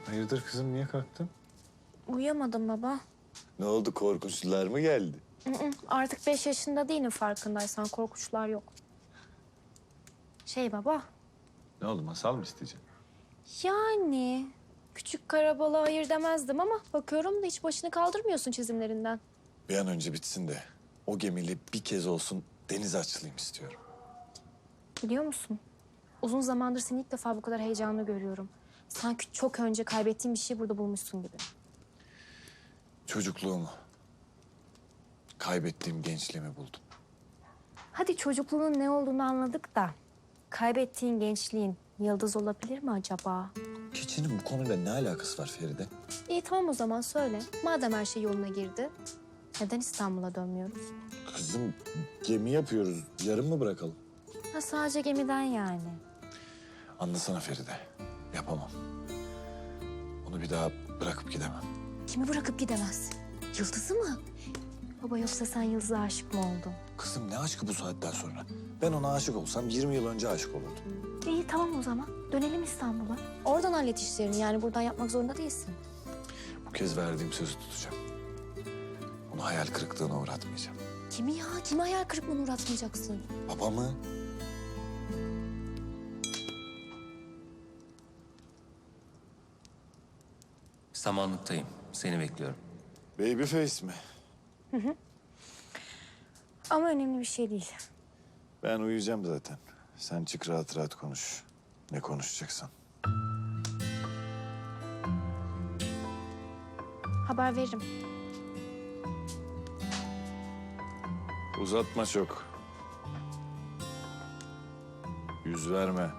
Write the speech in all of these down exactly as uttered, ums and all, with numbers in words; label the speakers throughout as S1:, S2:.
S1: Hayırdır kızım, niye kalktın?
S2: Uyuyamadım baba.
S1: Ne oldu, korkunçlular mı geldi?
S2: Hı hı, artık beş yaşında değilim farkındaysan. Korkunçlar yok. Şey baba,
S1: Ne oldu, masal mı isteyeceksin?
S2: yani küçük karabalığa hayır demezdim ama bakıyorum da hiç başını kaldırmıyorsun çizimlerinden.
S1: Bir an önce bitsin de o gemiyle bir kez olsun denize açılayım istiyorum.
S2: Biliyor musun? Uzun zamandır seni ilk defa bu kadar heyecanlı görüyorum. Sanki çok önce kaybettiğin bir şey burada bulmuşsun gibi.
S1: Çocukluğumu, kaybettiğim gençliğimi buldum.
S2: Hadi çocukluğunun ne olduğunu anladık da... kaybettiğin gençliğin yıldız olabilir mi acaba?
S1: Keçinin bu konuyla ne alakası var Feride?
S2: İyi tamam o zaman söyle. Madem her şey yoluna girdi, neden İstanbul'a dönmüyoruz?
S1: Kızım, gemi yapıyoruz. Yarın mı bırakalım?
S2: Ha sadece gemiden yani.
S1: Anlasana Feride, yapamam. Onu bir daha bırakıp gidemem.
S2: Kimi bırakıp gidemez? Yıldız'ı mı? Baba yoksa sen Yıldız'a aşık mı oldun?
S1: Kızım ne aşkı bu saatten sonra? Ben ona aşık olsam yirmi yıl önce aşık olurdum.
S2: İyi tamam o zaman. Dönelim İstanbul'a. Oradan hallet işlerini yani buradan yapmak zorunda değilsin.
S1: Bu kez verdiğim sözü tutacağım. Onu hayal kırıklığına uğratmayacağım.
S2: Kimi ya? Kimi hayal kırıklığına uğratmayacaksın?
S1: Babamı.
S3: Samanlıktayım. Seni bekliyorum.
S1: Babyface mi?
S2: Ama önemli bir şey değil.
S1: Ben uyuyacağım zaten. Sen çık rahat rahat konuş. Ne konuşacaksan.
S2: Haber veririm.
S1: Uzatma çok. Yüz verme.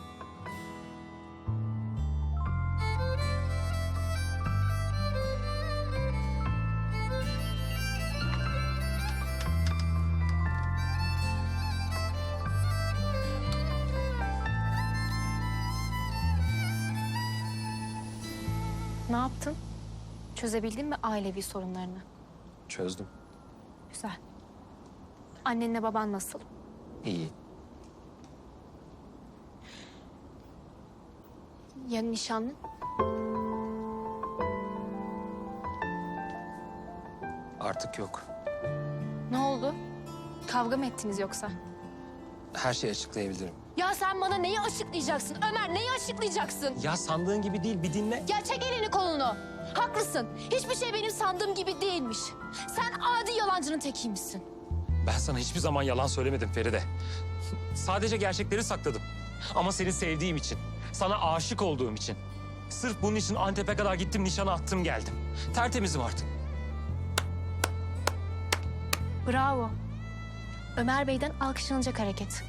S2: Ne yaptın? Çözebildin mi ailevi sorunlarını?
S3: Çözdüm.
S2: Güzel. Annenle baban nasıl?
S3: İyi.
S2: Ya nişanlın?
S3: Artık yok.
S2: Ne oldu? Kavga mı ettiniz yoksa?
S3: Her şeyi açıklayabilirim.
S2: Ya sen bana neyi açıklayacaksın? Ömer neyi açıklayacaksın?
S3: Ya sandığın gibi değil, bir dinle.
S2: Ya çek elini kolunu. Haklısın. Hiçbir şey benim sandığım gibi değilmiş. Sen adi yalancının tekiymişsin.
S3: Ben sana hiçbir zaman yalan söylemedim Feride. Sadece gerçekleri sakladım. Ama seni sevdiğim için, sana aşık olduğum için. Sırf bunun için Antep'e kadar gittim, nişana attım geldim. Tertemizim artık.
S2: Bravo. Ömer Bey'den alkışlanacak hareket.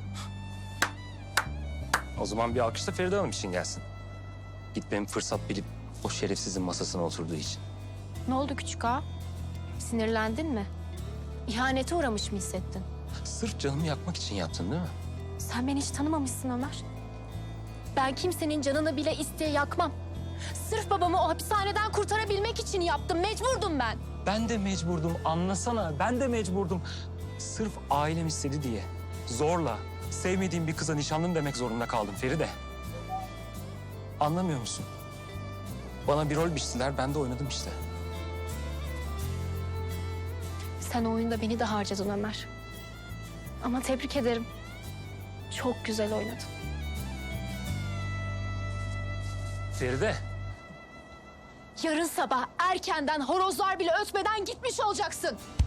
S3: O zaman bir alkış da Feride Hanım için gelsin. Gitmemi fırsat bilip o şerefsizin masasına oturduğu için.
S2: Ne oldu küçük ağa? Sinirlendin mi? İhanete uğramış mı hissettin?
S3: Sırf canımı yakmak için yaptın değil mi?
S2: Sen beni hiç tanımamışsın Ömer. Ben kimsenin canını bile isteye yakmam. Sırf babamı o hapishaneden kurtarabilmek için yaptım. Mecburdum ben.
S3: Ben de mecburdum, anlasana. Ben de mecburdum. Sırf ailem istedi diye. Zorla, sevmediğim bir kıza nişanlım demek zorunda kaldım Feride. Anlamıyor musun? Bana bir rol biçtiler, ben de oynadım işte.
S2: Sen o oyunda beni de harcadın Ömer. Ama tebrik ederim. Çok güzel oynadın.
S3: Feride,
S2: Yarın sabah erkenden horozlar bile ötmeden gitmiş olacaksın.